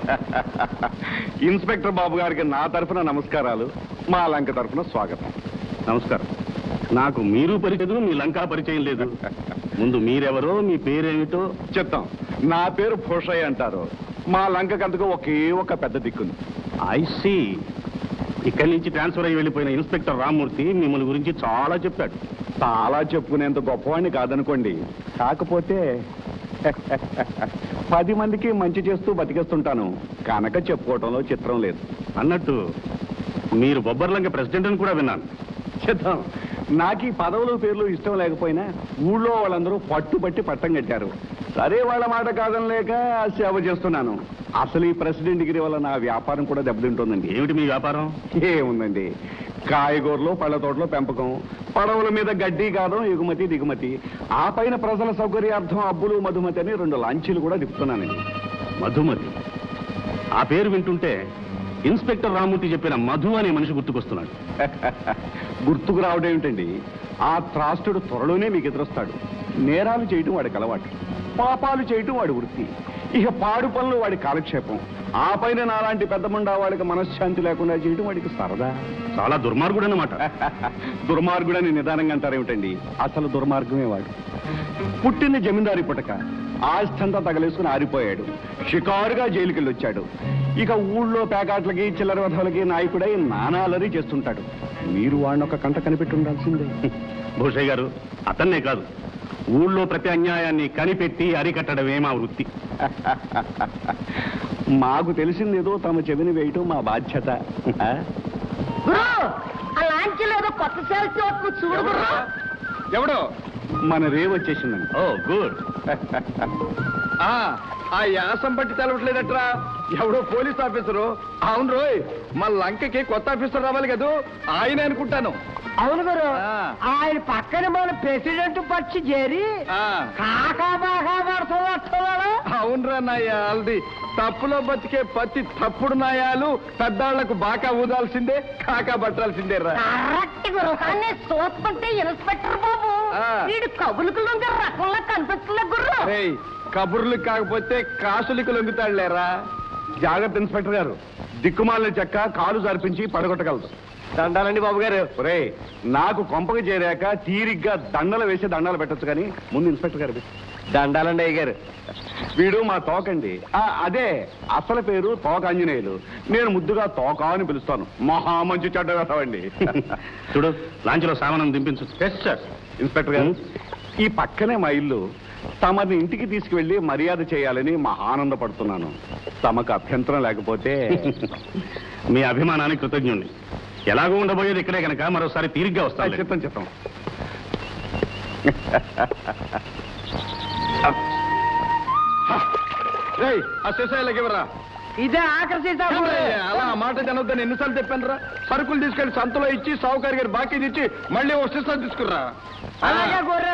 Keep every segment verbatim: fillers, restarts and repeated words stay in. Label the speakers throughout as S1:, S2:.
S1: Inspector బాబు గారికి నా తరఫున నమస్కారాలు, మా లంక తరఫున స్వాగతం.
S2: నమస్కారం. నాకు మీరు పరిచయం, మీ లంకా పరిచయం లేదు. ముందు మీరెవరో, మీ పేరేమిటో
S1: చెప్తాం. నా పేరు భూషయ్య అంటారు. మా లంకకంతకు ఒకే ఒక పెద్ద దిక్కుంది.
S2: I see. ఇక్కడి నుంచి ట్రాన్స్ఫర్ అయ్యి వెళ్ళిపోయిన ఇన్స్పెక్టర్ రామ్మూర్తి మిమ్మల్ని గురించి చాలా చెప్పాడు.
S1: చాలా చెప్పుకునేంత గొప్పవాడిని కాదనుకోండి, కాకపోతే పది మందికి మంచి చేస్తూ బతికేస్తుంటాను కనుక చెప్పుకోవటంలో చిత్రం లేదు.
S2: అన్నట్టు మీరు బొబ్బర్లంక ప్రెసిడెంట్ అని కూడా విన్నాను.
S1: చిత్తం. నాకు ఈ పదవులు పేర్లు ఇష్టం లేకపోయినా ఊళ్ళో వాళ్ళందరూ పట్టుబట్టి పట్టం కట్టారు. సరే, వాళ్ళ మాట కాదని లేక సేవ చేస్తున్నాను. అసలు ఈ ప్రెసిడెంట్ డిగ్రీ వల్ల నా వ్యాపారం కూడా దెబ్బతింటుందండి.
S2: ఏమిటి మీ వ్యాపారం?
S1: ఏముందండి, కాయగూరలు, పళ్ళ తోటలో పెంపకం, పడవల మీద గడ్డి కాదం, ఎగుమతి దిగుమతి, ఆ పైన ప్రజల సౌకర్యార్థం అబ్బులు మధుమతి అని రెండు లాంచీలు కూడా తిప్పుతున్నానండి.
S2: మధుమతి? ఆ పేరు వింటుంటే ఇన్స్పెక్టర్ రామ్మూర్తి చెప్పిన మధు అనే మనిషి గుర్తుకొస్తున్నాడు.
S1: గుర్తుకు రావడం ఏమిటండి, ఆ త్రాష్టుడు త్వరలోనే మీకు ఎదురొస్తాడు. నేరాలు చేయటం వాడికి అలవాటు, పాపాలు చేయటం వాడి వృత్తి, ఇక పాడు పనులు వాడి కాలక్షేపం, ఆ పైన నాలాంటి పెద్ద ముండా వాడికి మనశ్శాంతి లేకుండా చేయటం వాడికి సరదా.
S2: చాలా దుర్మార్గుడు అన్నమాట.
S1: దుర్మార్గుడని నిదానంగా అంటారేమిటండి, అసలు దుర్మార్గమే వాడు. పుట్టిన జమీందారి పుటక, ఆస్థంతా తగలేసుకుని ఆరిపోయాడు, షికారుగా జైలుకెళ్ళి వచ్చాడు. ఇక ఊళ్ళో పేకాట్లకి చిల్లర వధవులకి నాయకుడై నానాలరీ చేస్తుంటాడు. మీరు వాడిని ఒక కంట కనిపెట్టి ఉండాల్సిందే.
S2: భూషయ్య గారు, అతన్నే కాదు, ఊళ్ళో ప్రతి అన్యాయాన్ని కనిపెట్టి అరికట్టడమే మా వృత్తి.
S1: మాకు తెలిసిందేదో తమ చెవిని వేయటం మా బాధ్యత.
S3: ఎవడో
S1: మన రేవ్ వచ్చేసిందండి.
S2: Oh good.
S3: ఆ యాసం బట్టి తెలవట్లేదట్రా, ఎవడో పోలీస్ ఆఫీసరు. అవును రోయ్, మా లంకకి కొత్త ఆఫీసర్ రావాలి కదా, ఆయన అనుకుంటాను.
S4: అవును గారు, ఆయన పక్కన మన ప్రెసిడెంట్ పచ్చి చేరి కాకా బాగా పడుతున్నాడు.
S3: అవునరా నాయాలది, తప్పులో బతికే ప్రతి తప్పుడు నాయాలు పెద్దాళ్లకు బాకా ఊదాల్సిందే, కాకా పట్టాల్సిందే రా.
S4: చూస్తుంటే ఇన్స్పెక్టర్ బాబు వీడు కబులుకు లొంగే రకంలా కనిపిస్తున్నా గుర్రు.
S3: కబుర్లు కాకపోతే కాసులకు లొంగుతాడులేరా.
S1: జాగ్రత్త ఇన్స్పెక్టర్ గారు, దిక్కుమాలిన చెక్క కాలు జరిపించి పడగొట్టగలదు.
S3: దండాలండి బాబు గారు.
S1: ఒరే, నాకు కొంపకి చేరాక తీరిగ్గా దండలు వేసి దండాలు పెట్టచ్చు, కానీ ముందు ఇన్స్పెక్టర్ గారు
S3: దండాలండి అయ్య గారు.
S1: వీడు మా తోకండి. అదే అసలు పేరు తోక ఆంజనేయులు, నేను ముద్దుగా తోక అని పిలుస్తాను. మహా మంచి చెడ్డ వేస్తామండి.
S2: చూడు, లాంచ్లో సామానం దింపించు.
S1: Yes sir. ఇన్స్పెక్టర్ గారు, ఈ పక్కనే మా ఇల్లు. తమని ఇంటికి తీసుకువెళ్ళి మర్యాద చేయాలని మహా ఆనందపడుతున్నాను. తమకు అభ్యంతరం లేకపోతే.
S2: మీ అభిమానానికి కృతజ్ఞుణ్ణి. ఎలాగో ఉండబోయేది ఇక్కడే కనుక మరోసారి తీరిగ్గా వస్తాను.
S1: చెప్తాను చెప్తాం.
S3: ఆ శేషాయిలకి ఇవ్వరా.
S4: ఇదే ఆకర్షి
S3: అలా మాట జనొద్దని ఎన్నిసార్లు చెప్పాను రా. సరుకులు తీసుకెళ్లి సంతలో ఇచ్చి సావుకారి గారు బాకీ ఇచ్చి మళ్ళీ ఓ శిస్తాలు తీసుకురా.
S4: అలాగే గొర్రె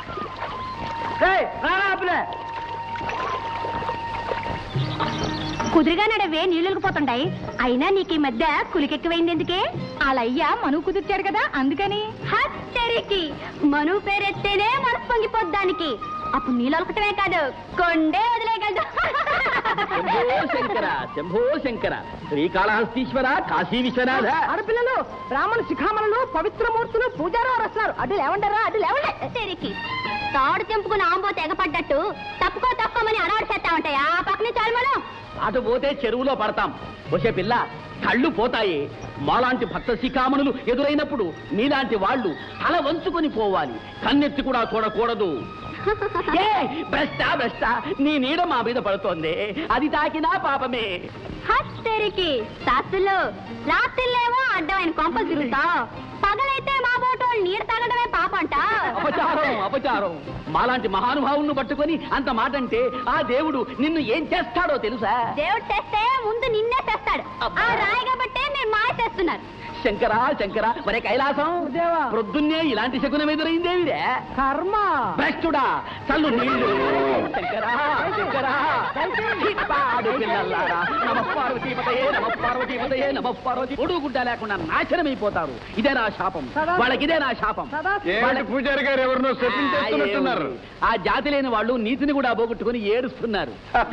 S5: కుదురుగా నడవే నీళ్ళకి పోతుండాయి. అయినా నీకు ఈ మధ్య కులికెక్కువైంది ఎందుకే? అలయ్యా మనువు కుదిర్చాడు కదా, అందుకని. హత్తరికి మనువు పేరెత్తేనే మనసు పొంగిపోద్దానికి. అప్పుడు నీళ్ళొలకటమే కాదు, కొండే వదిలేయగలదు.
S4: శంభో శంకర, శంభో శంకర, శ్రీకాళహస్తీశ్వర, కాశీ విశ్వనాథ. ఆడపిల్లలు, బ్రాహ్మణ శిఖామణులు, పవిత్రమూర్తులు, పూజారు వస్తున్నారు. అడ్డు లేవంటారా? అడ్డు లేవండి.
S5: తాడు తెంపుకుని ఆంబో తెగపడ్డట్టు తప్పుకో తప్పుకోమని అనాడు చేస్తా ఉంటాయి. ఆ పక్కనే చాలు మనం.
S4: అటు పోతే చెరువులో పడతాం. వచ్చే పిల్ల, కళ్ళు పోతాయి. మాలాంటి భక్త శిఖామణులు ఎదురైనప్పుడు నీలాంటి వాళ్ళు తల వంచుకొని పోవాలి, కన్నెత్తి కూడా చూడకూడదు. బెస్టా బెస్టా, నీ నీడ మా మీద పడుతోంది, అది తాకినా పాపమే.
S5: హస్తరికి శాస్త్రులు రాత్రిలేమో అడ్డమైన కొంపలు తిరుగుతావు, పగలైతే మా బోటోళ్ళు నీరు తాగడమే పాపంట.
S4: అపచారం అపచారం. మాలాంటి మహానుభావులను పట్టుకొని అంత మాట అంటే ఆ దేవుడు నిన్ను ఏం చేస్తాడో తెలుసా?
S5: దేవుడు చేస్తే ముందు నిన్నే చేస్తాడు. ఆ రాయి కాబట్టే మీరు మాయ చేస్తున్నారు.
S4: శంకరా శంకరా మరే కైలాసం ప్రొద్దున్నే ఇలాంటి శకునం ఎదురైందేవిరే
S6: కర్మ
S4: భ్రష్టుడా చల్లు నీళ్లు శంకరా శంకరా పాడు పిల్లలారా నమ పార్వతీపతయే నమ పార్వతీపతయే నమ పార్వతి ఒడు గుడ్డ లేకుండా నాశనమైపోతారు ఇదే నా శాపం వాళ్ళకి ఇదే నా శాపం
S3: ఏమిటి పూజారి గారు ఎవరినో చెప్పించేస్తున్నట్టున్నారు.
S4: ఆ జాతి లేని వాళ్ళు నీతిని కూడా పోగొట్టుకుని ఏడుస్తున్నారు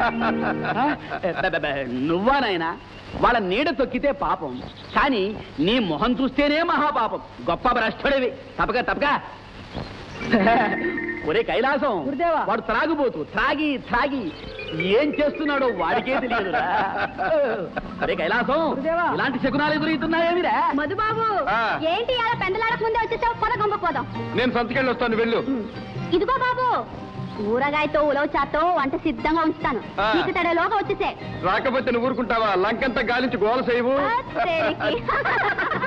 S4: నువ్వా నాయనా వాళ్ళ నీడ తొక్కితే పాపం కానీ నీ మొహం చూస్తేనే మహాపాపం గొప్ప భ్రష్టుడివి తప్పక తప్పక ఒరే కైలాసం
S6: గురుదేవా.
S4: వాడు త్రాగుబోతు త్రాగి త్రాగి ఏం చేస్తున్నాడో వాడికే తెలియదురా ఒరే కైలాసం
S6: గురుదేవా.
S4: ఇలాంటి శకునాలు ఎదురవుతున్నాయేమిరా
S5: మధుబాబు
S3: ఆ.
S5: ఏంటి అలా పెందలాడక ముందే వచ్చేసావు పొద గొంపపోదాం
S3: నేను సంతకెళ్ళి వస్తాను వెళ్ళు.
S5: ఇదిగో బాబు ఊరగాయతో ఉలవ చాతో వంట సిద్ధంగా ఉంచుతాను
S3: ఆ.
S5: నీకు తడలోగా వచ్చేసే
S3: రాకపోతే నువ్వు ఊరుకుంటావా? లంకంతా గాలించి గోల చేయవు.
S5: ఆ, తేరికి.